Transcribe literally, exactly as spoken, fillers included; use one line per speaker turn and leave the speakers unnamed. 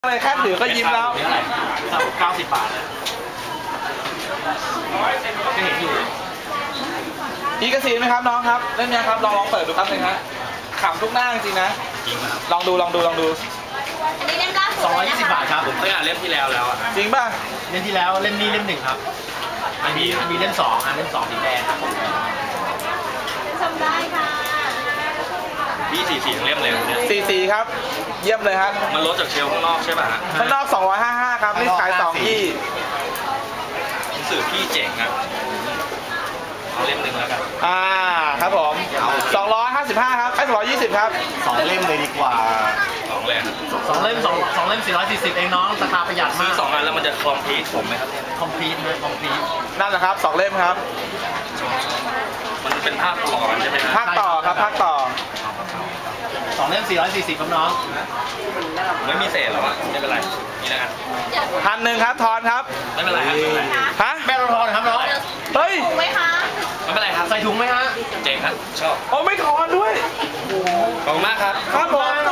อะไรแค่ถือก็ยิ้มแล้ว
เก้าสิบบาทเลยก็เห็นอยู่
อีกซีนไหมครับน้องครับเล่นเนี้ยครับลองลองเปิดดูครับหนึ่งฮะขำทุกหน้าจริงนะ
จริงครับ
ลองดูลองดูลองดู
อันนี้เล่มล่าสุด
สองร้อยยี่สิบบาทครับผมเคยอ่านเล่มที่แล้วแล้วอ่ะ
จริงป่ะ
เล่มที่แล้วเล่มนี้เล่มหนึ่งครับอันนี้มีเล่มสองอ่ะเล่มสองสีแดงครับผม
ชมได้ค่ะ
พี่สี่สี่เล่มเลยเนี่ย
สี่สี่ครับเยี่ยมเลยครับ
มันลดจากเชลข้างนอกใช่ป่ะฮะ
ข้างนอกสองร้อยห้าสิบห้าครับนี่ขายสองที่
หนังสือพี่เจ๋งอ่ะเอาเล่มหนึ่งแล้วกัน
อ่าครับผมสองร้อยห้าสิบห้าครับไอ้สองร้อยยี่สิบครับ
สองเล่มเลยดีกว่า
สองเล่ม
สองเล่มสองสองเล่มสี่ร้อยสี่สิบเองน้องราคาประหยัดมาก
ซื้อสองอันแล้วมันจะคอมพลีทผมไหมครับ
คอมพลีทนะคอมพลีท
นั่นแหละครับสองเล่มครับ
มันเป็นภาคต่อใช่ไหมครับ
ภาคต่อครับภาคต่อ
สองเล่มสี่ร้อยสี่สิบครับน้อง
ไม่มีเศษหรอวะไม่เป็นไรนี่แล้วกัน
พันหนึ่งครับทอนครับ
ไม่เป็นไรครับ
ฮะ
แม่รอทอนครับน้อง
เฮ้ย
ถุงไหมคะ
ไม่เป็นไรครับ
ใส่ถุงไหมฮะ
เจ๋งครับชอบ
โอ้ไม่ทอนด้วย
ขอบคุณมากครับ
ครับผม